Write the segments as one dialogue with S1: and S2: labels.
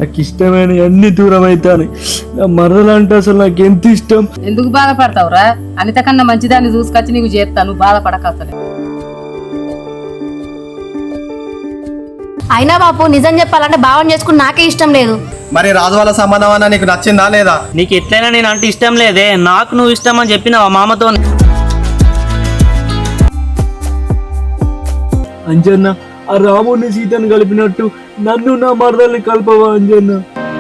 S1: నాకు ఇష్టమైన అన్ని దూరం అవుతాను. నా మరదలు అంటే అసలు నాకు ఎంత ఇష్టం.
S2: ఎందుకు బాధపడతావురా? అనిత కన్నా మంచిదాన్ని చూసుకొచ్చి నీకు చేస్తాను, బాధపడకసలే.
S3: అయినా బాపు నిజం చెప్పాలంటే భావన చేసుకుని నాకే ఇష్టం లేదు.
S4: మరి రాజు వాళ్ళ సంబంధం అన్న నీకు నచ్చిందా లేదా?
S5: నీకు ఎట్లయినా నేను అంటే ఇష్టం లేదే, నాకు నువ్వు ఇష్టం అని చెప్పినావా మామతో?
S1: అంజన్న, ఆ రాముడిని సీతను కలిపినట్టు నన్ను నా మరదల్ని కలపవా అంజన్న?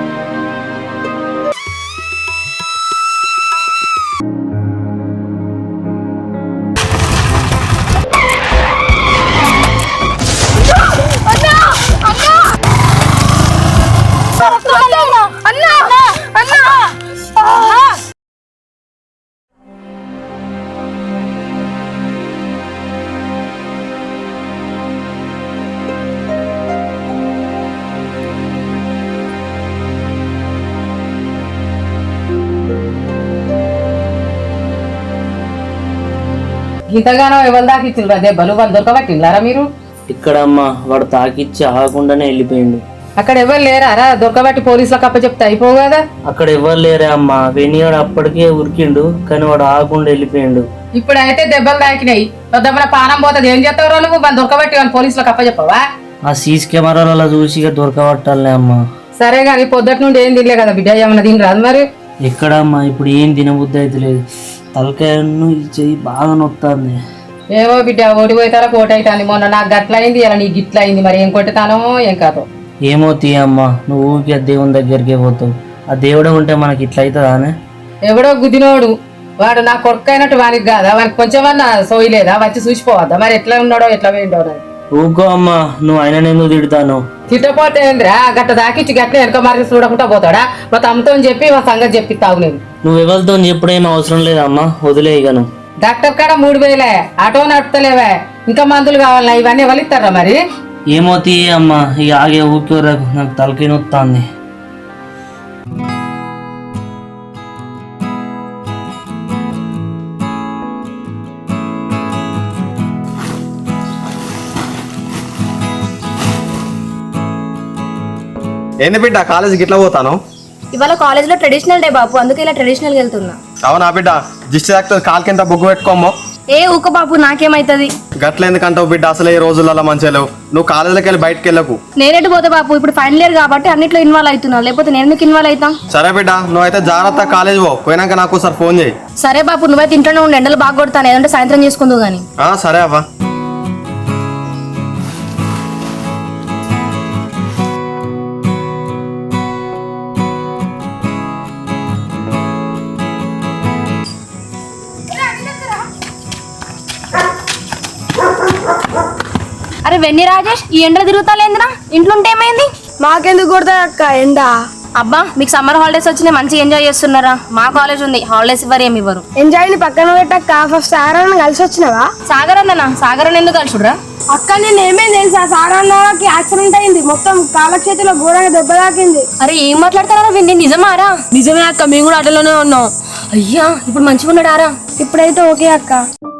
S2: గీతగానో ఎవరి దాకా ఇచ్చిండ్రు దెబ్బలు? వాళ్ళు దొరకబట్టిండ్లారా మీరు?
S5: ఇక్కడ అమ్మా వాడు తాకిచ్చి ఆగకుండానే వెళ్ళిపోయిండు.
S2: అక్కడ ఎవరు లేరా? దొరకబట్టి పోలీసులకు అప్పచెప్తే అయిపోవు కదా.
S5: అక్కడ ఎవరు లేరే అమ్మా, వెనియాడు అప్పటికే ఉరికిండు కానీ వాడు ఆగకుండా వెళ్ళిపోయిండు.
S2: ఇప్పుడు అయితే దెబ్బలు తాకినాయి, దెబ్బల పానం పోతుంది. ఏం చేస్తావు నువ్వు? వాళ్ళు దొరకబట్టి వాళ్ళు పోలీసులకు అప్పచెప్పవా?
S5: ఆ సీసీ కెమెరాలలో చూసి దొరకబట్టాలే అమ్మా.
S2: సరే కానీ పొద్దుటి నుండి ఏం తినలే కదా బిడ్డ, ఏమన్నా తిని రాదు మరి?
S5: ఎక్కడమ్మా ఇప్పుడు ఏం తినబుద్ధి అయితే లేదు, తలకాయను చెయ్యి బాగా నొత్తాంది.
S2: ఏవో బిడ్డ, ఓడిపోతారా కోటైతాను. మొన్న నాకు గట్లయింది, ఇలా నీకు గిట్ల అయింది. మరి ఏం కొట్టుతానో ఏం కాదో
S5: ఏమో తీయమ్మా, నువ్వు ఊరికి ఆ దేవుని దగ్గరికే పోతావు. ఆ దేవుడే ఉంటే మనకి ఇట్లా అవుతుందానే?
S2: ఎవడో గుద్దినోడు వాడు నా కొడుకు అయినట్టు వానికి కాదా? వానికి కొంచెమన్నా సోయలేదా? వచ్చి చూసిపోవద్దా మరి ఎట్లా ఉన్నాడో ఎట్లా పోయిండో?
S5: ఊకో అమ్మా, నువ్వు ఆయన ఎందుకు తిడతాను?
S2: తిట్టపోతే ఏంద్రా, గట్ట దాకిచ్చి గట్ల వెనక మార్కి చూడకుండా పోతాడా? మా తమతో చెప్పి మా సంగతి చెప్పిస్తావు. నేను
S5: నువ్వు ఎవరితో చెప్పడం అవసరం లేదమ్మా, వదిలే. ఇక నువ్వు
S2: డాక్టర్ కాడ 3000 ఆటో నడుపుతలేవా? ఇంకా మందులు కావాలా? ఇవన్నీ ఎవరు ఇస్తారా మరి?
S5: ఏమో తీయ అమ్మా, ఇక ఆగే ఊరికే నాకు తలకాయ నొత్తాంది.
S4: ఏంది బిడ్డ కాలేజీకి ఇట్లా పోతాను?
S3: ఇవాళ కాలేజ్ లో ట్రెడిషనల్ డే బాపు, అందుకే ఇలా ట్రెడిషనల్ వెళ్తున్నా.
S4: అవునా బిడ్డ, దిష్టి తాకుతుంది, కాలు కింద బొగ్గు పెట్టుకోమో.
S3: ఏ ఊక బాపు, నాకేమైతుంది?
S4: గట్ల ఎందుకంటావు బిడ్డ? అసలు ఈ రోజులలో మంచిగా లేవు. నువ్వు కాలేజీలోకి వెళ్ళి బయటకు వెళ్ళకు.
S3: నేనేటు పోతా బాపు, ఇప్పుడు ఫైనల్ ఇయర్ కాబట్టి అన్నిట్లో ఇన్వాల్వ్ అవుతున్నా, లేకపోతే నేను ఎందుకు ఇన్వాల్వ్ అవుతాం?
S4: సరే బిడ్డ, నువ్వు అయితే జాగ్రత్త కాలేజ్ పోయినాక నాకు ఒకసారి ఫోన్ చేయి.
S3: సరే బాపు, నువ్వైతే ఇంట్లోనే ఉండి, ఎండలు బాగా కొడతాను, ఏదంటే సాయంత్రం చేసుకుందువు గానీ.
S4: సరే అవ్వ.
S3: అరే వెన్ని రాజేష్, ఈ ఎండలు తిరుగుతాలేంద్రా? ఇంట్లో ఉంటే ఏమైంది?
S6: మాకెందుకు కొడతా అక్క ఎండ?
S3: అబ్బా, మీకు సమ్మర్ హాలిడేస్ వచ్చినాయి, మంచిగా ఎంజాయ్ చేస్తున్నారా? మా కాలేజ్ ఉంది, హాలిడేస్ ఇవ్వరు, ఏమి ఇవ్వరు.
S6: ఎంజాయ్ ని పక్కన పెట్టక్క, ఫస్ట్ సాగరన్న కలిసి వచ్చినావా?
S3: సాగర్ అన్న? సాగర్ అన్న ఎందుకు కలిసిడ్రా?
S6: అక్క నేను ఏమేం తెలుసా, సాగరన్నకి యాక్సిడెంట్ అయింది, మొత్తం కాళ్ళ చేతిలో ఘోరంగా దెబ్బ తాకింది.
S3: అరే ఏం మాట్లాడతారా విన్ని, నిజమారా?
S6: నిజమే అక్క, మేము కూడా అటలోనే ఉన్నాం.
S3: అయ్యా, ఇప్పుడు మంచిగా ఉన్నాడారా?
S6: ఇప్పుడైతే ఓకే అక్క.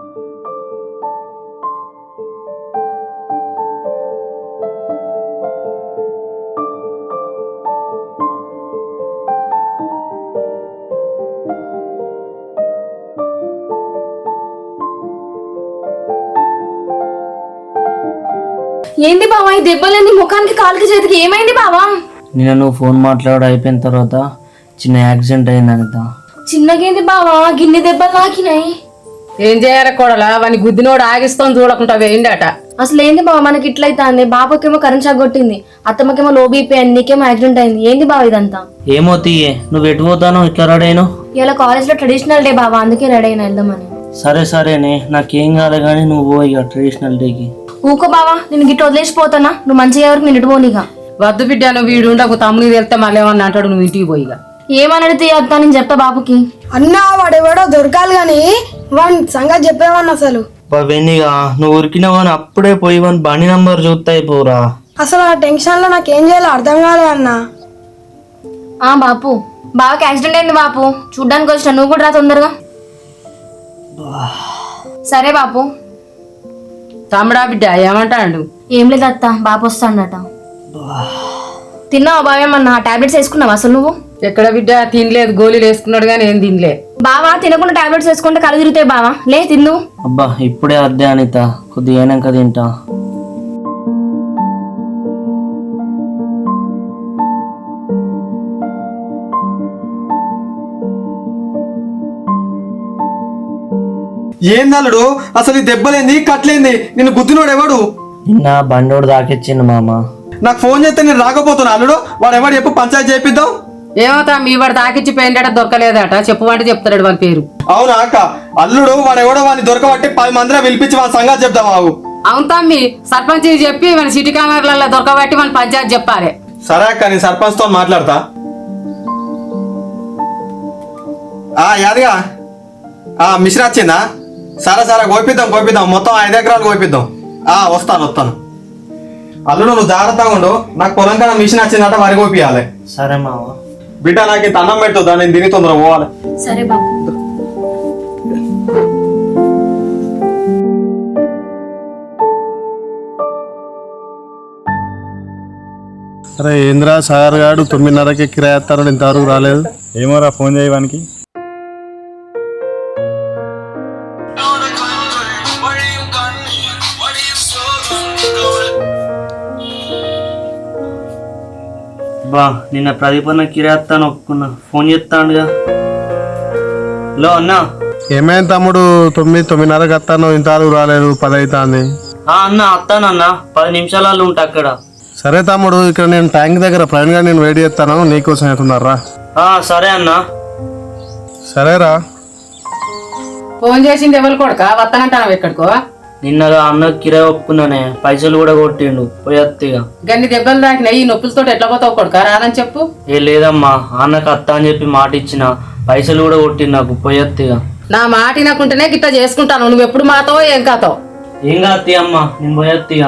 S3: ఏంది బావా ఈ దెబ్బలేంది ముఖానికి, కాలుకి, చేతికి? ఏమైంది బావా?
S5: నిన్న నువ్వు ఫోన్ మాట్లాడ అయిపోయిన తర్వాత చిన్న యాక్సిడెంట్ అయింది అనిత.
S3: చిన్నగేంది బావా, గిన్నె దెబ్బలు నాకినాయి.
S2: ఏం చేయాలి కోడలా? వాని గుద్దినోడు ఆగిస్తాం చూడకుండా వేయండట.
S3: అసలు ఏంది బావ మనకి ఇట్లయితే? అంది బాబుకేమో కరెంట్ షాక్ కొట్టింది, అత్తమ్మకేమో లో బీపీ అయింది, నీకేమో యాక్సిడెంట్ అయింది. ఏంది బావ ఇదంతా?
S5: ఏమో తీయే, నువ్వు ఎటు పోతాను ఇట్లా రెడీ అయినా?
S3: ఇలా కాలేజ్ లో ట్రెడిషనల్ డే బావా, అందుకే రెడీ అయినా వెళ్దామని.
S5: సరే సరేనే, నాకేం కాదు కానీ నువ్వు పో ఇక ట్రెడిషనల్ డేకి.
S3: ఊకో బావా, నేను గిట్ట వదిలేసిపోతానా? నువ్వు మంచిగా ఎవరికి నేను ఇటుపోనిగా.
S2: వద్దు బిడ్డ, నువ్వు వీడు ఉండకు, తమ్ముడికి వెళ్తే మళ్ళీ ఏమన్నా అంటాడు, నువ్వు ఇంటికి పోయిగా.
S3: ఏమనడితే వద్దా నేను చెప్తా బాబుకి.
S6: అన్నా వాడెవడో దొరకాలి గాని వాడి సంగతి చెప్పేవాడిని అసలు.
S5: వెన్నిగా నువ్వు ఉరికినావు అని అప్పుడే పోయి వన్ బండి నంబర్ చూస్తాయి పోరా.
S6: అసలు ఆ టెన్షన్ లో నాకేం చేయాలో అర్థం కాలే అన్న.
S3: బాపు, బావకి యాక్సిడెంట్ అయింది బాపు, చూడ్డానికి వచ్చిన, నువ్వు కూడా రా తొందరగా. సరే బాపు.
S2: తమ్ముడా బిడ్డ ఏమంటాడు?
S3: ఏం లేదు అత్త, బాపు వస్తాడట. తిన్నావా బావ ఏమన్నా టాబ్లెట్స్ వేసుకున్నావా అసలు నువ్వు?
S2: ఎక్కడ బిడ్డ తినలేదు, గోళీలు వేసుకున్నాడు కానీ ఏం తినలే.
S3: బావా తినకుండా టాబ్లెట్స్ వేసుకుంటే కళ్ళు తిరుగుతాయి బావా, లే తిందు.
S5: అబ్బా ఇప్పుడే అద్దే అనిత, కొద్దిగా అయినాక తింటా.
S4: ఏందల్లుడు అసలు ఈ దెబ్బలేంది కట్లేంది? నిన్ను గుద్దినోడు ఎవడు?
S5: నిన్న బండోడు దాకిచ్చిండు మామ.
S4: నాకు ఫోన్ చేస్తే నేను రాకపోతున్నా అల్లుడు. వాడు ఎవడు చెప్పు, పంచాయతీ చేపిద్దాం.
S2: ఏమవుతా మీ వాడు తాకిచ్చి పోయిందట, దొరకలేదట, చెప్పమంటే చెప్తాడు వాడి పేరు.
S4: అవునా అక్క? అల్లుడు వాడు ఎవడో వాడిని దొరకబట్టి 10 మందిలో పిలిపించి వాళ్ళ సంగతి చెప్దాం. బాబు
S2: అవును తమ్మి, సర్పంచ్ చెప్పి మన సిటీ కామర్లలో దొరకబట్టి మన పంచాయతీ చెప్పాలి.
S4: సరే అక్క, నేను సర్పంచ్ తో మాట్లాడతా. యాదిగా మిషన్ వచ్చిందా? సరే సరే కోపిద్దాం మొత్తం 5 ఎకరాలు కోపిద్దాం. వస్తాను. అల్లుడు నువ్వు జాగ్రత్తగా ఉండు. నాకు పొలం కన్నా మిషన్ వచ్చిందట, వరి కోపియాలి.
S5: సరే మామ.
S4: బిడ్డ నాకు ఇంత అన్నం పెట్టుదా, నేను తిని తొందర పోవాలి.
S3: సరే బాబు.
S7: అరే ఏంద్రా సాగర్ గాడు 9:30కి కిరాయిస్తాడు, ఇంతవరకు రాలేదు.
S8: ఏమోరా, ఫోన్ చేయడానికి.
S5: బా నిన్న ప్రదీప్ అన్న కిరాయిస్తాను ఒప్పుకున్నా, ఫోన్ చేస్తాడుగా. లో అన్నా.
S7: ఏమైంది తమ్ముడు? 9:30కి వస్తాను, ఇంతవరకు రాలేదు. 10 అవుతుంది.
S5: అన్న వస్తానన్నా, 10 నిమిషాలలో ఉంటా అక్కడ.
S7: సరే తమ్ముడు, ఇక్కడ నేను ట్యాంక్ దగ్గర ప్రవీణ్ గారు నేను వెయిట్ చేస్తాను, నీకోసం అవుతున్నారా?
S5: సరే అన్నా.
S7: సరేరా.
S2: ఫోన్ చేసింది ఎవరు కొడుక? వస్తానంటాను ఎక్కడికో.
S5: నిన్నగా అన్న కిరాయి ఒప్పుకున్నానే, పైసలు కూడా కొట్టిండు, పోయత్తిగా.
S2: గన్ని దెబ్బలు తాకినాయి, ఈ నొప్పులతో ఎట్లా పోతావు కొడుక? రాదని చెప్పు.
S5: ఏ లేదమ్మా, అన్నకు అత్త అని చెప్పి మాట ఇచ్చిన, పైసలు కూడా కొట్టిండు నాకు, పోయత్తిగా.
S2: నా మాట వినకుంటేనే గిట్ట చేసుకుంటాను. నువ్వు ఎప్పుడు మాతావో ఏం కాతావు?
S5: ఏం కాత్తి అమ్మా, నేను పోయత్తిగా.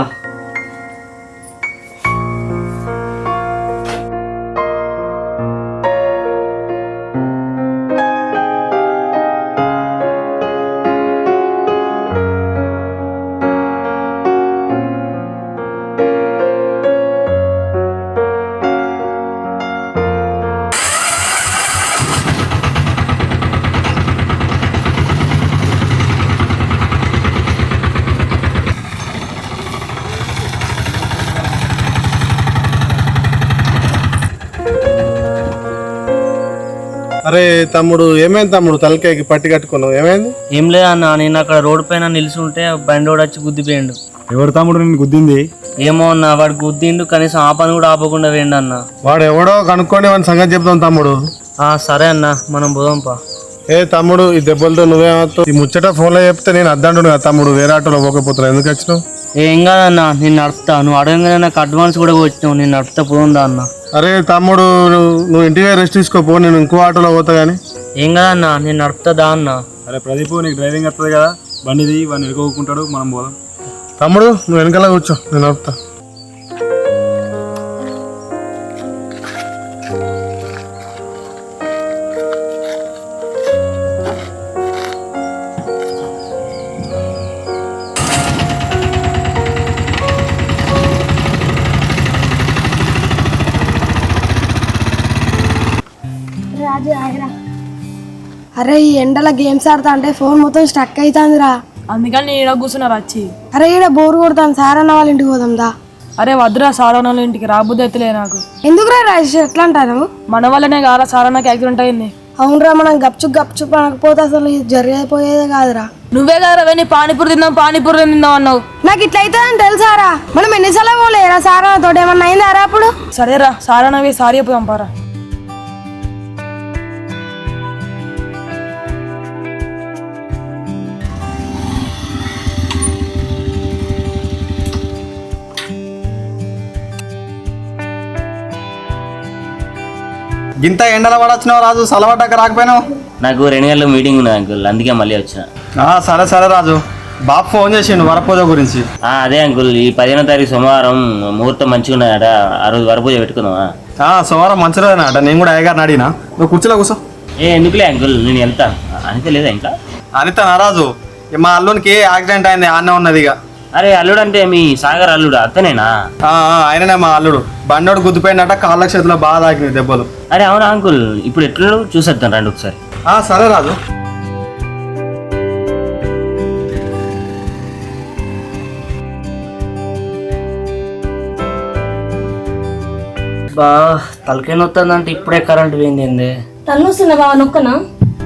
S7: అరే తమ్ముడు, ఏమైంది తమ్ముడు? తలకాయకి పట్టి కట్టుకున్నావు, ఏమైంది?
S5: ఏం లేదన్నా, నేను అక్కడ రోడ్డు పైన నిలిచి ఉంటే బండోడు వచ్చి గుద్దిపోయిండు.
S8: ఎవరు తమ్ముడు నిన్ను గుద్దింది?
S5: ఏమో అన్న, వాడు గుద్దిండు, కనీసం ఆ పని కూడా ఆపకుండా వేయండి అన్న.
S7: వాడు ఎవడో కనుక్కొని వాడి సంగతి చెప్తాం తమ్ముడు.
S5: సరే అన్న, మనం పోదాంపా.
S7: ఏ తమ్ముడు, ఈ దెబ్బలతో నువ్వేమవుతావు? ఈ ముచ్చట ఫోన్లో చెప్తే నేను అద్దంటున్నా కదా తమ్ముడు, వేరే ఆటోలో పోకపోతున్నా. ఎందుకు వచ్చినావు?
S5: ఏం కాదన్నా, నేను నడుపుతా. నువ్వు అడగగానే నాకు అడ్వాన్స్ కూడా వచ్చినావు, నేను నడుపుతా, పోదా అన్న.
S7: అరే తమ్ముడు, నువ్వు ఇంటికి రెస్ట్ తీసుకోపో, నేను ఇంకో ఆటోలో పోతా గానీ.
S5: ఏం కాదన్నా, నేను నడుపుతా అన్న.
S8: అరే ప్రదీప్, నీకు డ్రైవింగ్ వస్తుంది కదా, బండిది వాడిని ఎదుర్కొకుంటాడు, మనం పోదాం.
S7: తమ్ముడు నువ్వు వెనకాల కూర్చో, నేను నడుపుతా.
S6: అరే ఈ ఎండల గేమ్స్ ఆడతా అంటే ఫోన్ మొత్తం స్టక్ అవుతుందిరా.
S9: అందుకని నేను ఈడ కూర్చున్నారు వచ్చి.
S6: అరే ఈడ బోర్ కొడతాను, సారన్న వాళ్ళ ఇంటికి పోదాందా?
S9: అరే వద్దురా, సారన్న వాళ్ళ ఇంటికి రాబుద్ది ఎత్తులే నాకు.
S6: ఎందుకురా రాజేష్ ఎట్లా అంటాను?
S9: మన వల్లనే కాదా సారన్నకి యాక్సిడెంట్ అయింది.
S6: అవునరా, మనం గప్చుప్ అనకపోతే అసలు ఇది జరిగిపోయేదే కాదురా.
S9: నువ్వే కదరా వెళ్ళి పానీపూరి తిందాం అన్నావు.
S6: నాకు ఇట్లా అవుతుందని తెలుసారా? మనం ఎన్నిసార్లు పోలేరా సారన్న తోటి? ఏమన్నా అయిందారా అప్పుడు?
S9: సరేరా, సారన్నవి సారీ చెప్పుదాం పారా.
S4: ఇంత ఎండల పడొచ్చినావు రాజు, సలవడ్డాక రాకపోయినావు?
S5: నాకు 2 గంటల మీటింగ్ ఉన్నది అంకుల్, అందుకే మళ్ళీ వచ్చిన.
S4: సరే రాజు, బాబు ఫోన్ చేసిండు వరపూజ గురించి.
S5: అదే అంకుల్, ఈ 15వ తారీఖు సోమవారం ముహూర్తం మంచిగా ఉన్నదట, ఆ రోజు వరపూజ పెట్టుకుందామా?
S4: సోమవారం మంచి రోజునట. నేను కూడా అయ్యగారిని అడిగినా. నువ్వు కుర్చీలో కూర్చో.
S5: ఎందుకులే అంకుల్, నేను వెళ్తా. అనిత లేదా ఇంకా?
S4: అనిత నారాజు, మా అల్లునికి యాక్సిడెంట్ అయింది, ఆన్నే ఉన్నది. ఇక
S5: అరే అల్లుడు అంటే మీ సాగర్ అల్లుడు అతనేనా?
S4: ఆయననే మా అల్లుడు. బండోడు గుద్దిపోయినట్ట కాళ్ళ చేతిలో బాగా తాకినాయి దెబ్బలు.
S5: అరే అవునా అంకుల్, ఇప్పుడు ఎట్లా చూసేద్దాం రండి ఒకసారి.
S4: సరే రాజు.
S5: బా తలకాయ నొత్తందంటే ఇప్పుడే కరెంట్ పోయింది.
S3: తను వస్తున్నా బావ నొక్కనా?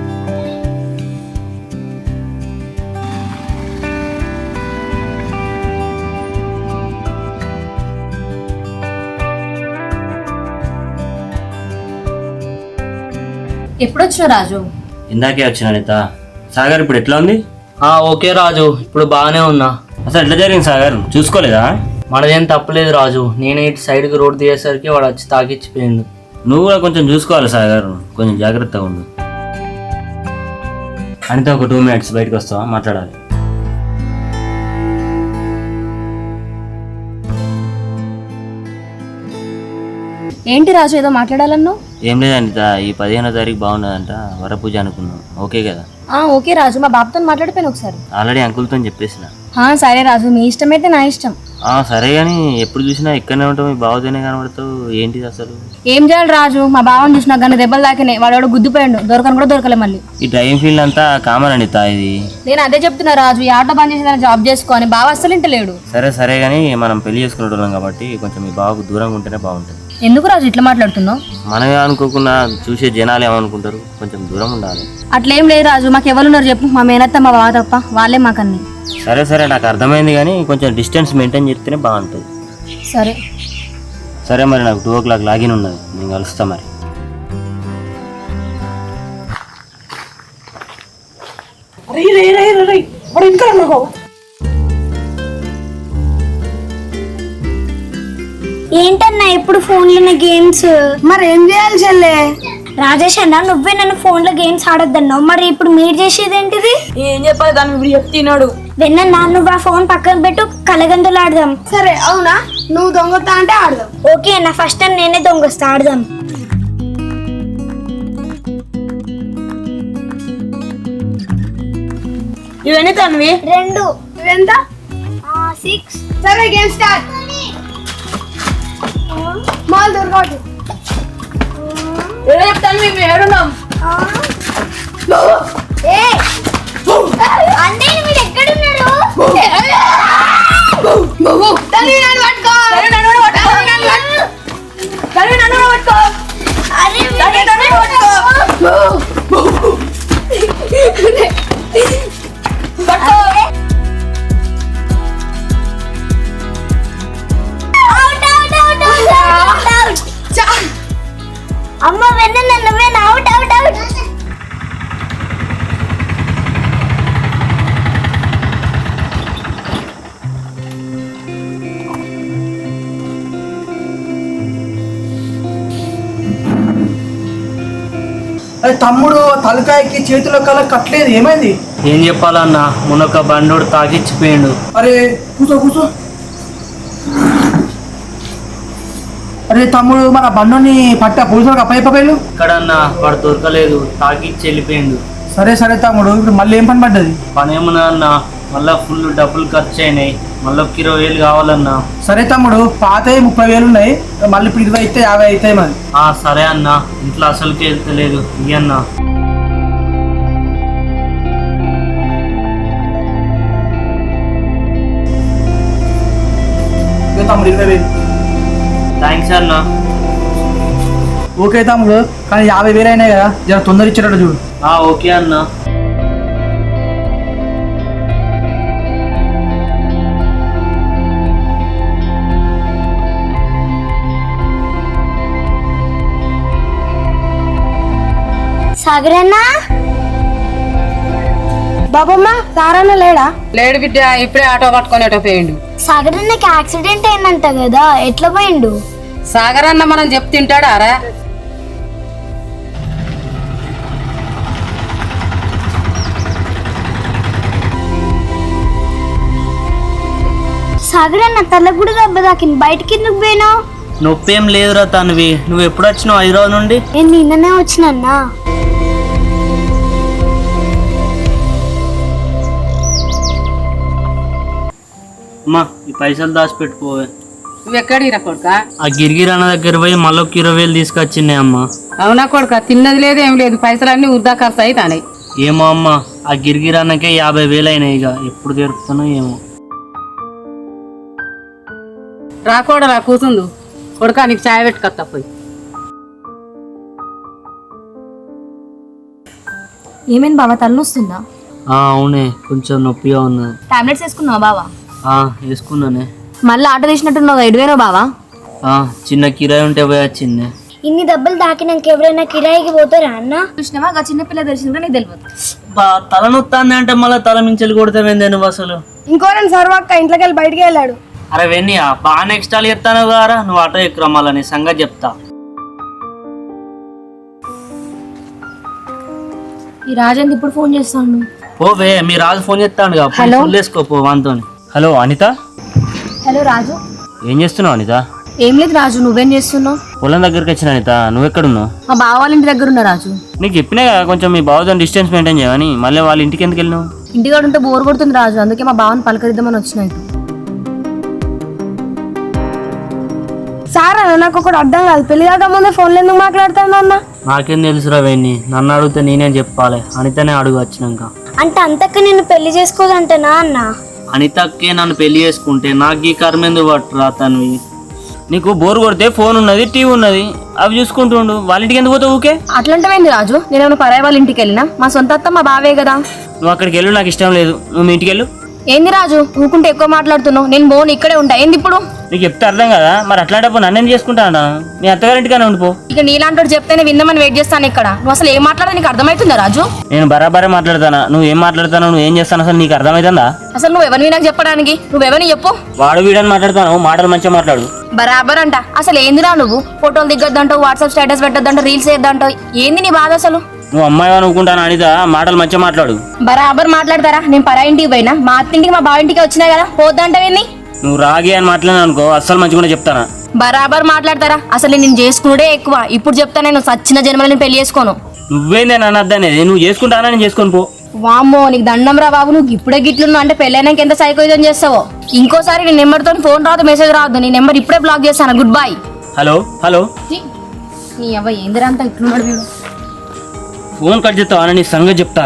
S3: ఎప్పుడొచ్చినా రాజు?
S5: ఇందాకే వచ్చిన అనిత. సాగర్ ఇప్పుడు ఎట్లా ఉంది?
S10: ఓకే రాజు, ఇప్పుడు బాగానే ఉన్నా.
S5: అసలు ఎట్లా జరిగింది సాగర్, చూసుకోలేదా?
S10: మనదేం తప్పలేదు రాజు, నేనే ఇటు సైడ్కి రోడ్ దిగేసరికి వాడు వచ్చి తాకిచ్చిపోయింది.
S5: నువ్వు కూడా కొంచెం చూసుకోవాలి సాగర్, కొంచెం జాగ్రత్తగా ఉండు. అనిత ఒక 2 minutes బయటకు వస్తావా, మాట్లాడాలి.
S3: ఏంటి రాజు ఏదో మాట్లాడాలన్నా?
S5: ఏం లేదు అనిత, ఈ 15వ తారీఖు బాగున్నదంట, వరపూజ అనుకున్నాం. ఓకే కదా?
S3: ఓకే రాజు, మా బాబుతో మాట్లాడిపోయాను ఒకసారి.
S5: ఆల్రెడీ అంకుల్తో చెప్పేసిన.
S3: సరే రాజు, మీ ఇష్టమైతే నా ఇష్టం.
S5: సరే కానీ ఎప్పుడు చూసినా ఇక్కడనే ఉంటావు, మీ బావతోనే కనబడతావు, ఏంటిది అసలు?
S3: ఏం చేయాలి రాజు, మా బావని చూసినా కానీ దెబ్బలు తాకినాయి, వాడు గుద్దిపోయాడు, దొరకను కూడా దొరకలే. మళ్ళీ
S5: ఈ డ్రైవింగ్ ఫీల్డ్ అంతా కామన్ అనిత ఇది.
S3: నేను అదే చెప్తున్నా రాజు, ఈ ఆటో బంద్ చేసి జాబ్ చేసుకోని. బావ అస్సలు ఇంటలేడు.
S5: సరే కానీ మనం పెళ్లి చేసుకునేటోళ్ళం కాబట్టి కొంచెం మీ బావకు దూరంగా ఉంటేనే బాగుంటుంది.
S3: ఎందుకు రాజు ఇట్లా మాట్లాడుతున్నావు?
S5: మనమే అనుకోకుండా చూసే జనాలు ఏమనుకుంటారు, కొంచెం దూరం ఉండాలి.
S3: అట్లేం లేదు రాజు, మాకు ఎవరున్నారు చెప్పు, మా మేనత్త మా బావ తప్ప, వాళ్ళే మాకన్నీ.
S5: సరే నాకు అర్థమైంది కానీ కొంచెం డిస్టెన్స్ మెయింటైన్ చేస్తేనే బాగుంటుంది. సరే మరి నాకు 2 o'clock లాగిన్ ఉన్నది, నేను కలుస్తా మరి.
S6: ఏంటన్నా ఎప్పుడు ఫోన్లోనే గేమ్స్? మరి ఏం చేయాలి చెల్లె? రాజేష్ అన్న, నువ్వే నన్ను ఫోన్ లో గేమ్స్ ఆడొద్దన్నావు, మరి ఇప్పుడు మీరు చేసేది ఏంటిది?
S9: ఏం చెప్పాలి దాన్ని, ఇప్పుడు చెప్తున్నాడు.
S6: వెన్న నువ్వు ఆ ఫోన్ పక్కన పెట్టు, కలగందులు ఆడదాం. సరే అవునా, నువ్వు దొంగతా అంటే ఆడదాం. ఓకే అన్న, ఫస్ట్ టైం నేనే దొంగస్తా, ఆడదాం.
S9: ఇవన్నీ తనవి
S6: 2. ఎంత? 6. సరే గేమ్ స్టార్ట్. మాల్ దొరకదు.
S9: ఏదో చెప్తాను, మేము ఏడున్నాం.
S6: అంటే మీరు ఎక్కడున్నారు? అమ్మ వెన్న నువ్వే అవుట్ అవుట్ అవుట్.
S1: అరే తమ్ముడు, తలకాయకి చేతిలో కల కట్టలేదు, ఏమైంది?
S10: ఏం చెప్పాలన్నా, మొన్నొక బండోడు తాకిచ్చిపోయిండు.
S1: అరే కూసో. అరే తమ్ముడు, మన బండుని పట్ట పోలీసులకు అప్పయ్యలు.
S10: ఇక్కడన్నా వాడు దొరకలేదు, తాకిచ్చి వెళ్ళిపోయిండు.
S1: సరే తమ్ముడు, ఇప్పుడు మళ్ళీ ఏం పని పడ్డది?
S10: పని ఏమన్నా అన్నా, మళ్ళా ఫుల్ డబ్బులు ఖర్చు అయినాయి, మళ్ళీ 20,000 కావాలన్నా.
S1: సరే తమ్ముడు, పాతవి 30,000 ఉన్నాయి, మళ్ళీ ఇప్పుడు 20 అయితే 50 అవుతాయి మరి.
S10: సరే అన్నా, ఇంట్లో అసలుకి వెళ్తలేదు ఇయ్యన్నా.
S1: తమ్ముడు 20,000.
S10: థ్యాంక్స్ అన్నా.
S1: ఓకే తమ్ముడు, కానీ 50,000 అయినాయి కదా, జర తొందర ఇచ్చేటట్టు చూడు.
S10: ఓకే అన్నా.
S6: సాగరన్నా, బాబమ్మ సారన్న లేడా?
S2: లేడు బిడ్డ, ఇప్పుడే ఆటో పట్టుకొని అటో పోయిండు.
S6: సాగరన్నకి యాక్సిడెంట్ అయిందంట కదా, ఎట్లా పోయిండు?
S2: సాగర్ అన్న మనం చెప్తుంటాడా రా?
S6: సాగరన్న తలకు కూడా దెబ్బ తాకింది, బయటికి ఎందుకు పోయినావు?
S10: నొప్పేం లేదురా తన్వి, నువ్వు ఎప్పుడు వచ్చినావు హైదరాబాద్ నుండి?
S6: నేను నిన్ననే వచ్చినన్నా.
S5: అమ్మా ఈ పైసలు దాచిపెట్టుకోవే.
S2: నువ్వు ఎక్కడిరా కొడుక?
S5: ఆ గిరిగిరి అన్న దగ్గర పోయి మళ్ళీ 20,000 తీసుకొచ్చినాయి అమ్మా.
S2: అవునా కొడుక? తిన్నది లేదు ఏం లేదు, పైసలన్నీ వృధా ఖర్చు అవుతాయి.
S5: ఏమో అమ్మా, ఆ గిరిగిరి అన్నకే 50,000 అయినాయి. ఇక ఎప్పుడు తెరుపుతానో ఏమో.
S2: రాకూడరా కూతుందు కొడుక, నీకు చాయ్ పెట్టుకొస్తా పోయి.
S3: ఏమైంది బావా, తలనొస్తుందా?
S5: అవునే, కొంచెం నొప్పిగా ఉన్నది.
S3: టాబ్లెట్స్ వేసుకున్నావా బావా?
S5: వేసుకున్నానే.
S3: మళ్ళీ ఆట తీసినట్టున్నావు, ఎడివేనో బావా?
S5: చిన్న కిరాయి ఉంటే పోయి వచ్చిందే.
S6: ఇన్ని దెబ్బలు తాకినాక ఎవరైనా కిరాయికి పోతారా అన్న?
S3: చూసినావా, ఆ చిన్నపిల్ల తెలిసిందా నీకు తెలియదు.
S5: తల నొత్తాంది అంటే మళ్ళీ తల మించెలు కొడతావేందే నువ్వు అసలు?
S9: ఇంకో రెండు సర్వక్క ఇంట్లోకి వెళ్ళి బయటికి వెళ్ళాడు.
S5: అరే వెన్నీ బాగా నెక్స్ట్ ఆల్ చెప్తాను గారా, నువ్వు ఆటో ఎక్కురా, మళ్ళీ నీ సంగతి చెప్తా.
S3: ఈ రాజేంద్ర ఇప్పుడు ఫోన్ చేస్తాను.
S5: పోవే, మీ రాజు ఫోన్ చేస్తాను వేసుకోపో వాంతో. హలో అనిత.
S3: హలో రాజు.
S5: ఏం చేస్తున్నావు అనిత?
S3: ఏం లేదు రాజు, నువ్వేం చేస్తున్నావు?
S5: పొలం దగ్గరికి వచ్చిన అనిత, నువ్వెక్కడున్నావు?
S3: మా బావ వాళ్ళ ఇంటి దగ్గర ఉన్నా రాజు.
S5: నీకు చెప్పినా కదా కొంచెం మీ బావతో డిస్టెన్స్ మెయింటైన్ చేయమని. మళ్ళీ వాళ్ళ ఇంటికి ఎందుకు వెళ్ళినావు?
S3: ఇంటికాడ ఉంటే బోర్ కొడుతుంది రాజు, అందుకే మా బావని పలకరిద్దామని వచ్చినాయి.
S9: సార్ అన్న నాకు ఒకటి అర్థం కాదు, పెళ్లి కాక ముందే ఫోన్లో ఎందుకు మాట్లాడతాను అన్న?
S5: నాకేం తెలుసురా వెన్నీ, నన్ను అడిగితే నేనేం చెప్పాలి, అనితనే అడుగు వచ్చినాక.
S6: అంటే అంతక్క నేను పెళ్లి చేసుకోదంటనా అన్న?
S5: అనితక్కే నన్ను పెళ్లి చేసుకుంటే నాకు ఈ కర్మెందుకు పట్టురా తన్వి. నీకు బోర్ కొడితే ఫోన్ ఉన్నది, టీవీ ఉన్నది, అవి చూసుకుంటుండు. వాళ్ళ ఇంటికి ఎందుకు పోతావు ఊకే?
S3: అట్లాంటివేంది రాజు, నేనేమైనా పరాయి వాళ్ళ ఇంటికి వెళ్ళినా? మా సొంత అత్త మా బావే కదా.
S5: నువ్వు అక్కడికి వెళ్ళు, నాకు ఇష్టం లేదు. నువ్వు మీ ఇంటికి వెళ్ళు.
S3: ఏంది రాజు ఊకుంటే ఎక్కువ మాట్లాడుతున్నావు? నేను బోన్ ఇక్కడే ఉంటా. ఏంది ఇప్పుడు?
S5: నీకు చెప్తే అర్థం కదా, మరి అట్లాంటప్పుడు నన్నేం చేసుకుంటానా? మీ అత్తగారింటిగానే ఉండిపో.
S3: ఇక నీలాంటి చెప్తేనే విందామని వెయిట్ చేస్తాను ఇక్కడ. నువ్వు అసలు ఏం మాట్లాడదా నీకు అర్థమవుతుందా రాజు?
S5: నేను బరాబరే మాట్లాడతానా, నువ్వు ఏం మాట్లాడతాను, నువ్వు ఏం చేస్తాను అసలు నీకు అర్థమవుతుందా?
S3: అసలు నువ్వు ఎవరిని నాకు చెప్పడానికి? నువ్వెవరిని చెప్పు.
S5: వాడు వీడని మాట్లాడతాను, మాటలు మంచిగా మాట్లాడు.
S3: బరాబర్ అంట. అసలు ఏందిరా నువ్వు? ఫోటోలు దిగ్గొద్దంటావు, వాట్సాప్ స్టేటస్ పెట్టొద్దంటావు, రీల్స్ వేద్దంటావు. ఏంది నీ బాధ అసలు?
S5: నువ్వు అమ్మాయి అనుకుంటాను అనిత, మాటలు మంచిగా మాట్లాడు.
S3: బరాబర్ మాట్లాడతారా? నేను పరా ఇంటికి పోయినా, మా అత్తింటికి మా బావ ఇంటికి వచ్చినా కదా, పోద్దంటావేంది?
S5: నువ్వు రాగి అని మాట్లాడినా అనుకో, అస్సలు మంచిగా చెప్తానా.
S3: బరాబర్ మాట్లాడతారా? అసలు నేను చేసుకునే ఎక్కువ. ఇప్పుడు చెప్తా, నేను సచ్చిన జన్మలో నేను పెళ్లి చేసుకోను.
S5: నువ్వేందే నన్ను అద్దనేది? నువ్వు చేసుకుంటానా, నేను చేసుకొని పో.
S3: వామ్మో, నీకు దండం రా బాబు. నువ్వు ఇప్పుడే గిట్లున్నావు అంటే పెళ్ళైనాక ఎంత సైకోయిజం చేస్తావో. ఇంకోసారి నీ నెంబర్తో ఫోన్ రాదు, మెసేజ్ రాదు. నీ నెంబర్ ఇప్పుడే బ్లాక్ చేస్తాను. Goodbye.
S5: Hello hello.
S3: నీ అవ్వ ఏందిరా అంతా ఇట్లున్నాడు వీడు.
S5: ఫోన్ కట్ చేస్తావా? నీ సంగతి చెప్తా.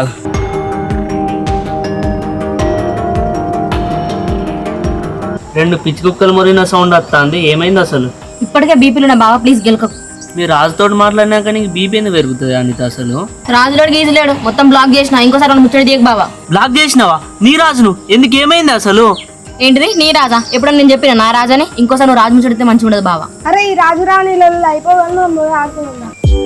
S5: రెండు పిచ్చి కుక్కలు మొరిన సౌండ్ వస్తుంది. ఏమైంది అసలు?
S3: ఇప్పటికే బీపీలు నా బావ, ప్లీజ్ గెలక.
S5: మీరు రాజుతో మాట్లాడినాక నీకు బీపీ ఎందుకు పెరుగుతుంది అనిత అసలు?
S3: రాజులోడు గీజులేడు, మొత్తం బ్లాక్ చేసిన. ఇంకోసారి ముచ్చడి దిగ బావా.
S5: బ్లాక్ చేసినావా? నీ రాజును ఎందుకు? ఏమైంది అసలు?
S3: ఏంటిది నీ రాజా? ఎప్పుడన్నా నేను చెప్పిన నా రాజాని? ఇంకోసారి నువ్వు రాజు ముచ్చడితే మంచిగా ఉండదు బావా.
S9: అరే ఈ రాజు రాణిలలో అయిపోగలను ఆడుతున్నా.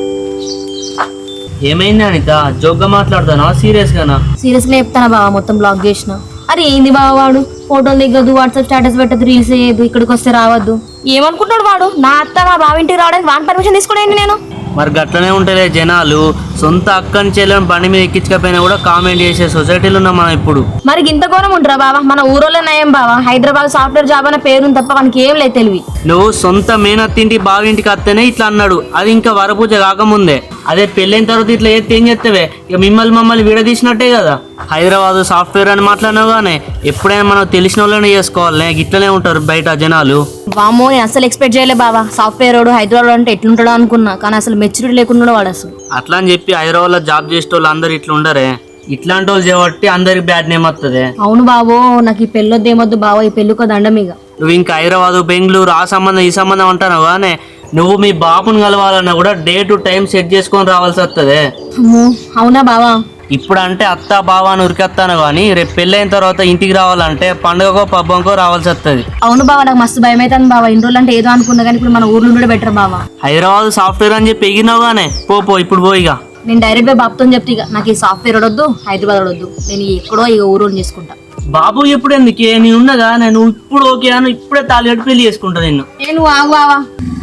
S5: ఏమైంది అనిత? జోక్గా మాట్లాడతానా సీరియస్ గానా?
S3: సీరియస్ గా చెప్తానా బావా, మొత్తం బ్లాక్ చేసిన. అరే ఏంది బావ వాడు? ఫోటోలు దిగదు, వాట్సాప్ స్టేటస్ పెట్టదు, రీల్స్ చేయదు, ఇక్కడికి వస్తే రావద్దు. ఏమనుకుంటాడు వాడు? నా అత్త మా బావ ఇంటికి రావడానికి వాని పర్మిషన్ తీసుకోండి నేను.
S5: మరి గట్లనే ఉంటలే జనాలు. సొంత అక్కని చెల్లెని బండి మీద ఎక్కించకపోయినా కూడా కామెంట్ చేసే సొసైటీలో ఉన్నాం మనం ఇప్పుడు.
S3: మరి ఇంత ఘోరం ఉంటారా బావా? మన ఊరోళ్ళ నయం బావా. హైదరాబాద్ సాఫ్ట్వేర్ జాబ్ అనే పేరు తప్ప మనకి ఏం లేదు తెలివి.
S5: నువ్వు సొంత మేనత్తింటి బావింటికి వస్తేనే ఇట్లా అన్నాడు, అది ఇంకా వరపూజ కాకముందే. అదే పెళ్ళైన తర్వాత ఇట్లా ఏం చెప్తావే? ఇక మమ్మల్ని విడదీసినట్టే కదా. హైదరాబాద్ సాఫ్ట్వేర్ అని మాట్లాడినావు కానీ ఎప్పుడైనా మనం తెలిసిన వాళ్ళనే చేసుకోవాలి. ఇట్లనే ఉంటారు బయట జనాలు.
S3: వామో, నేను అసలు ఎక్స్పెక్ట్ చేయలే బావా. సాఫ్ట్వేర్ వాడు హైదరాబాద్ అంటే ఎట్లుంటాడో అనుకున్నా, కానీ అసలు మెచ్యూరిటీ లేకుండా వాడు అసలు.
S5: అట్లా అని చెప్పి హైదరాబాద్ లో జాబ్ చేసే వాళ్ళు అందరు ఇట్లా ఉండరే. ఇట్లాంటి వాళ్ళు చేయబట్టి అందరికి బ్యాడ్ నేమ్ వస్తుంది.
S3: అవును బావో, నాకు ఈ పెళ్ళొద్దు ఏమొద్దు బావో, ఈ పెళ్ళికో దండం ఇక.
S5: నువ్వు ఇంకా హైదరాబాద్ బెంగళూరు ఆ సంబంధం ఈ సంబంధం అంటావు కానీ నువ్వు మీ బాబుని కలవాలన్నా కూడా డే టు టైం సెట్ చేసుకొని రావాల్సి వస్తుంది.
S3: అవునా బావా?
S5: ఇప్పుడు అంటే అత్త బావ అని ఉరికెత్తాను కానీ రేపు పెళ్ళైన తర్వాత ఇంటికి రావాలంటే పండుగకో పబ్బంకో రావాల్సి వస్తుంది.
S3: అవును బావా, నాకు మస్తు భయం అవుతుంది బావా. ఇన్ని రోజులు అంటే ఏదో అనుకున్నా కానీ ఇప్పుడు మన ఊర్లో ఉండే బెటర్ బావా.
S5: హైదరాబాద్ సాఫ్ట్వేర్ అని చెప్పి ఎగినావు గానే పో ఇప్పుడు పోయిగా.
S3: నేను డైరెక్ట్ గా బాబుతో చెప్తే ఇక నాకు ఈ సాఫ్ట్వేర్ వద్దు, హైదరాబాద్ వద్దు, నేను ఎక్కడో ఇక ఊరు చేసుకుంటా.
S5: బాబు ఎప్పుడు ఎందుకే? నేను ఉన్నదా? నేను ఇప్పుడు ఓకే అని ఇప్పుడే తాళి పెళ్లి చేసుకుంటా నిన్ను.
S3: నేను ఆగు బావా.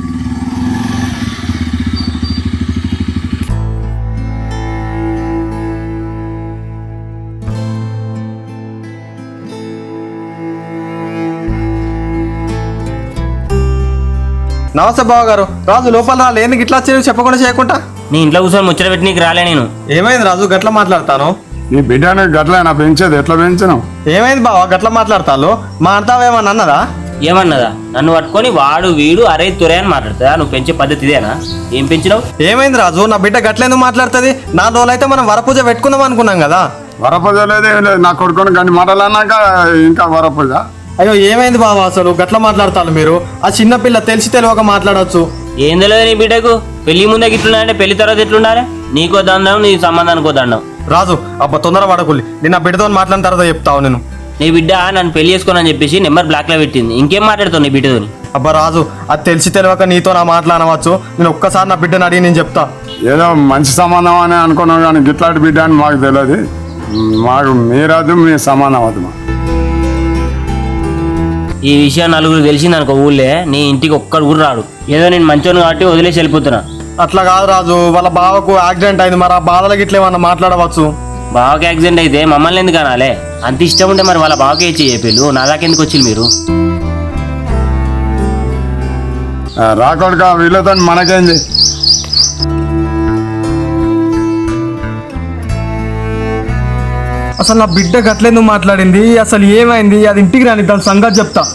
S4: నమస్తే బావ గారు. రాజు లోపల రా, లేని ఇట్లా చెప్పకుండా చేయకుండా.
S5: నీ ఇంట్లో కూర్చొని ముచ్చట పెట్టి నీకు రాలే నేను.
S4: ఏమైంది రాజు గట్లా మాట్లాడతాను?
S7: ఈ బిడ్డను గట్లైనా పెంచేది ఎట్లా పెంచినావు?
S4: ఏమైంది బావా గట్ల మాట్లాడతాను? మా అంతావేమన్నా అన్నదా?
S5: ఏమన్నదా? నన్ను పట్టుకొని వాడు వీడు అరే తురే అని మాట్లాడుతుందా? నువ్వు పెంచే పద్ధతి ఇదేనా? ఏం పెంచినావు?
S4: ఏమైంది రాజు, నా బిడ్డ గట్లేందుకు మాట్లాడుతుంది? 4 రోజులైతే మనం వరపూజ పెట్టుకుందాం అనుకున్నాం కదా.
S7: వరపూజ లేదు ఏం లేదు, నా కొడుకుని కానీ మాటలు అన్నాక ఇంకా వరపూజ.
S4: అయ్యో ఏమైంది బావా అసలు గట్ల మాట్లాడతాను? మీరు ఆ చిన్నపిల్ల తెలిసి తెలియక మాట్లాడవచ్చు.
S5: ఏం తెలియదు నీ బిడ్డకు? పెళ్లి ముందే ఇట్లున్నాయంటే పెళ్లి తర్వాత ఎట్లుండాలి? నీకో దండం, నీ సంబంధానికో దండం.
S4: రాజు అబ్బా తొందర పడకుల్లి, నేను నా బిడ్డతో మాట్లాడిన తర్వాత చెప్తావు. నేను
S5: నీ బిడ్డ నన్ను పెళ్లి చేసుకోనని చెప్పేసి నెంబర్ బ్లాక్ లో పెట్టింది. ఇంకేం మాట్లాడుతావు నీ బిడ్డతోని?
S4: అబ్బా రాజు అది తెలిసి తెలియక నీతో నా మాట్లాడవచ్చు. నేను ఒక్కసారి నా బిడ్డను అడిగి నేను చెప్తా.
S7: ఏదో మంచి సంబంధం అని అనుకున్నాం కానీ గిట్లాంటి బిడ్డ అని మాకు తెలియదు. మాకు మీరదు, మీ సంబంధం వద్దు.
S5: ఈ విషయం నలుగురు తెలిసింది అనుకో ఊళ్ళే, నీ ఇంటికి ఒక్కడు కూడా రాడు. ఏదో నేను మంచోని కాబట్టి వదిలేసి వెళ్ళిపోతున్నా.
S4: అట్లా కాదు రాజు, వాళ్ళ బావకు యాక్సిడెంట్ అయింది, మరి ఆ బాధలకి ఇట్లా ఏమన్నా మాట్లాడవచ్చు.
S5: బావకి యాక్సిడెంట్ అయితే మమ్మల్ని ఎందుకు అనాలే? అంత ఇష్టం ఉంటే మరి వాళ్ళ బావకే ఇచ్చి చెప్పేళ్ళు, నా దాకా ఎందుకు వచ్చింది మీరు?
S7: రాకొడుక వీళ్ళతో మనకేంది?
S4: అసలు నా బిడ్డ గట్లేందుకు మాట్లాడింది, అసలు ఏమైంది, అది ఇంటికి రాని దాని సంగతి చెప్తా.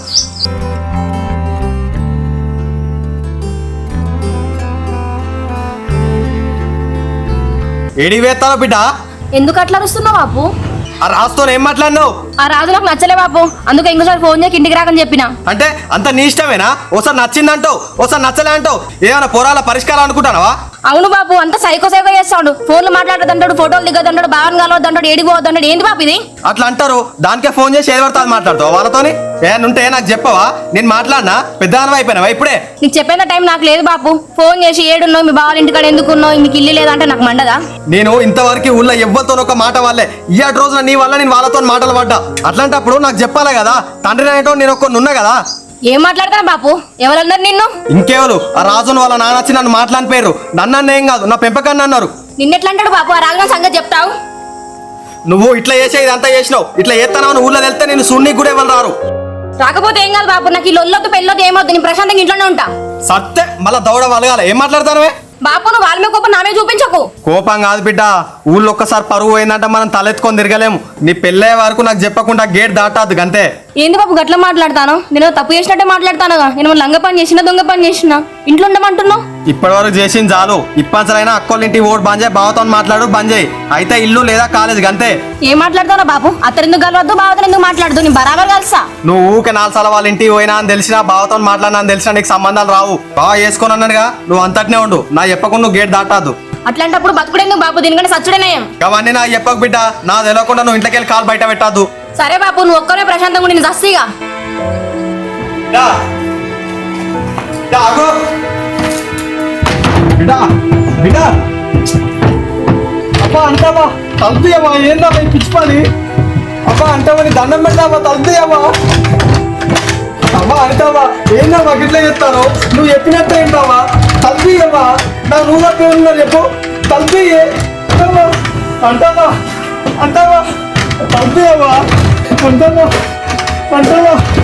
S4: ఏడికి వేస్తావా బిడ్డ?
S3: ఎందుకు అట్లా అరుస్తున్నావు బాపు?
S4: ఆ రాజుతో ఏం మాట్లాడినావు?
S3: ఆ రాజు నాకు నచ్చలే బాపు, అందుకే ఇంకోసారి ఫోన్ చేయక ఇంటికి రాకని చెప్పిన.
S4: అంటే అంత నీ ఇష్టమేనా? ఓసారి నచ్చిందంటావు, ఓసారి నచ్చలే అంటావు. ఏమైనా పోరాల పరిష్కారం అనుకుంటానవా?
S3: అవును బాపు, అంత సైకో సైకో చేస్తాడు. ఫోన్లు మాట్లాడదంటాడు, ఫోటోలు దిగదంటాడు, బాగా కలవద్దంటాడు, ఏడికి పోవద్దంటాడు. ఏంది బాపు ఇది?
S4: అట్లా అంటారు, దానికే ఫోన్ చేసి ఏది పడుతుంది మాట్లాడతావు వాళ్ళతోని? ఏనుంటే నాకు చెప్పవా? నేను మాట్లాడినా పెద్దదానం అయిపోయినావా ఇప్పుడే?
S3: నీకు చెప్పేంత టైం నాకు లేదు బాపు. ఫోన్ చేసి ఏడున్నావు, మీ బావాల ఇంటికాడ ఎందుకున్నావు, నీకు ఇల్లు లేదంటే నాకు మండదా?
S4: నేను ఇంతవరకు ఊళ్ళో ఎవ్వరితో ఒక మాట వాళ్ళే, ఇయ్యాటి రోజున నీ వల్ల నేను వాళ్ళతో మాటలు పడ్డా. అట్లాంటప్పుడు నాకు చెప్పాలి కదా, తండ్రి అనేటో నేను ఒక్కనున్నా కదా.
S3: ఏం మాట్లాడతాను బాపు? ఎవరన్నారు నిన్ను?
S4: ఇంకెవరు? ఆ రాజును వాళ్ళ నాన్న వచ్చి నన్ను మాట్లాడిన పేరు. నన్ను ఏం కాదు, నా పెంపకాన్ని అన్నారు.
S3: నిన్నెట్లా అంటాడు బాపు? ఆ రాజు సంగతి చెప్తావు?
S4: నువ్వు ఇట్లా చేసే ఇదంతా చేసినావు, ఇట్లా చేస్తానని ఊళ్ళో వెళ్తే నేను సున్నికి కూడా ఎవరు రారు.
S3: రాకపోతే ఏం కాదు బాపు, నాకు ఈ లొల్లొద్దు పెళ్ళొద్దు ఏమవుతుంది, నేను ప్రశాంతంగా ఇంట్లోనే ఉంటా.
S4: సత్తే మళ్ళా దౌడ వలగాల. ఏం మాట్లాడతానవే
S3: బాపు? నువ్వు వాళ్ళ మీద కోపం నామే చూపించకు.
S4: కోపం కాదు బిడ్డ, ఊళ్ళో ఒక్కసారి పరువు పోయిందంటే మనం తలెత్తుకొని తిరగలేము. నీ పెళ్ళే వరకు నాకు చెప్పకుండా గేట్ దాటాదు గంతే.
S3: ఏంది బాబు గట్ల మాట్లాడతాను? నేను తప్పు చేసినట్టే మాట్లాడతానుగా. నేను లంగ పని చేసిన, దొంగ పని చేసిన, ఇంట్లో ఉండమంటున్నావు.
S4: ఇప్పటి వరకు చేసింది చాలు. ఇప్పటిసరైనా అక్కోళ్ళ ఇంటి ఓటు బంద్ చేయి, బావతో మాట్లాడు బంద్ చేయి. అయితే ఇల్లు లేదా కాలేజ్ గంతే.
S3: ఏం మాట్లాడతానో బాబు? అత్తరెందుకు కలవద్దు, బావతో ఎందుకు మాట్లాడదు? నేను బరాబర్ కలుసా.
S4: నువ్వు ఊకే 4 సార్లు వాళ్ళ ఇంటికి పోయినా అని తెలిసినా, బావతో మాట్లాడినా అని తెలిసినా నీకు సంబంధాలు రావు. బావ వేసుకొని అన్నాడుగా, నువ్వు అంతటినే ఉండు. నా చెప్పకుండా నువ్వు గేట్ దాటాదు.
S3: అట్లాంటప్పుడు బతుకుడేందుకు బాబు? దీనికంటే సచ్చుడేనయం.
S4: అవన్నీ నా చెప్పకు బిడ్డ, నా తెలియకుండా నువ్వు ఇంట్లోకి వెళ్ళి కాలు బయట పెట్టద్దు.
S3: సరే బాబు, నువ్వు ఒక్కరే ప్రశాంతంగా ఉండి నేను జస్తిగా.
S4: అబ్బా అంటావా తలుపుయమ్మా? ఏందా పిచ్చి పని? అబ్బా అంటావా? నీ దండం పెడతావా? తలుపుయమ్మా. అమ్మా అంటావా? ఏందమ్మా గిట్లా చెప్తాను? నువ్వు చెప్పినట్టు ఏంటావా? తలుపుయమ్మా. నా నువ్వు తప్పే ఉన్నా చెప్పు. తలుపుయే అంటావా? అంటావా? తలుపుయమ్మా. అంటావా? అంటావా?